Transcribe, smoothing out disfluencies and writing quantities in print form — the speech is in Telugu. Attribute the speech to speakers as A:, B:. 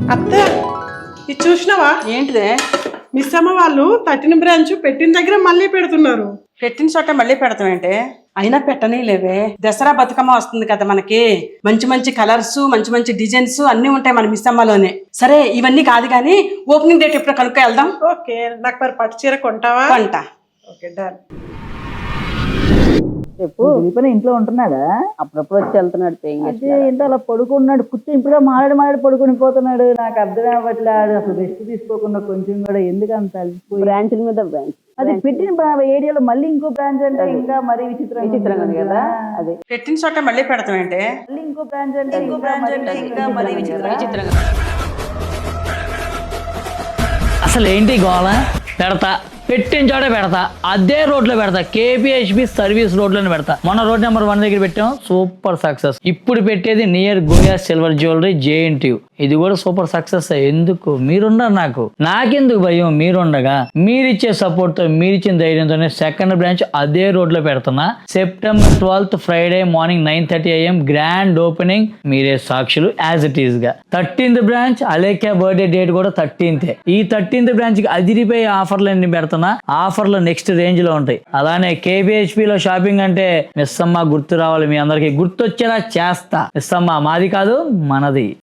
A: అత్త ఇది చూసినావా?
B: ఏంటిదే?
A: మిస్ అమ్మ వాళ్ళు తట్టిన బ్రాంచ్ పెట్టిన దగ్గర మళ్ళీ పెడుతున్నారు.
B: పెట్టిన చోట మళ్ళీ పెడతామేంటే? అయినా పెట్టనే లేవే. దసరా బతుకమ్మ వస్తుంది కదా మనకి, మంచి మంచి కలర్స్, మంచి మంచి డిజైన్స్ అన్ని ఉంటాయి మన మిస్ అమ్మలోనే. సరే ఇవన్నీ కాదు కానీ ఓపెనింగ్ డేట్ ఎప్పుడు కనుక్కో వెళ్దాం.
A: ఓకే, నాకు మరి పట్టు చీర కొంటావా?
B: కొంట.
A: Okay done.
C: చెప్పు. దిలీపని ఇంట్లో ఉంటున్నాడా?
B: అప్పుడప్పుడు వచ్చి వెళ్తున్నాడు.
C: అదే ఏంటో అలా పడుకున్నాడు, కూర్చొని ఇప్పుడు మాట్లాడి పడుకుని పోతున్నాడు. నాకు అర్థం అవ్వట్లేదు. అసలు రెస్ట్ తీసుకోకుండా కొంచెం కూడా ఎందుకు అంత అలసిపోయి
B: బ్రాంచ్ల మీద బ్రాంచ్.
C: అది పెట్టిన ఏరియాలో మళ్ళీ ఇంకో బ్రాంచ్ అంటే ఇంకా మరీ విచిత్రంగా ఉంది కదా.
B: అదే పెట్టిన చోట మళ్ళీ పెడతామేంటే?
C: మళ్ళీ ఇంకో బ్రాంచ్ అంటే ఇంకా మరీ విచిత్రంగా.
D: అసలు ఏంటి గోళ? పెడతా, పెట్టిన చోట పెడతా, అదే రోడ్లో పెడతా, KPHB సర్వీస్ రోడ్లోనే పెడతా. మొన్న రోడ్ నెంబర్ 1 దగ్గర పెట్టాం, సూపర్ సక్సెస్. ఇప్పుడు పెట్టేది నియర్ గోయా సిల్వర్ జ్యువెలరీ JNTU, ఇది కూడా సూపర్ సక్సెస్. ఎందుకు? మీరున్నారు నాకు, నాకెందుకు భయం? మీరుండగా మీరిచ్చే సపోర్ట్ తో, మీరిచ్చిన ధైర్యంతోనే సెకండ్ బ్రాంచ్ అదే రోడ్ లో పెడుతున్నా. September 12th Friday morning 9:30 AM grand opening. మీరే సాక్షులు. యాజ్ ఇట్ ఈస్ గా 13th branch Alekhya birthday date కూడా 13th. ఈ 13th బ్రాంచ్ కి అదిరిపోయే ఆఫర్లు అన్ని పెడుతున్నా. ఆఫర్లు నెక్స్ట్ రేంజ్ లో ఉంటాయి. అలానే KPHP లో షాపింగ్ అంటే మిస్ అమ్మ గుర్తు రావాలి. మీ అందరికి గుర్తొచ్చేలా చేస్తా. మిస్ అమ్మ మాది కాదు, మనది.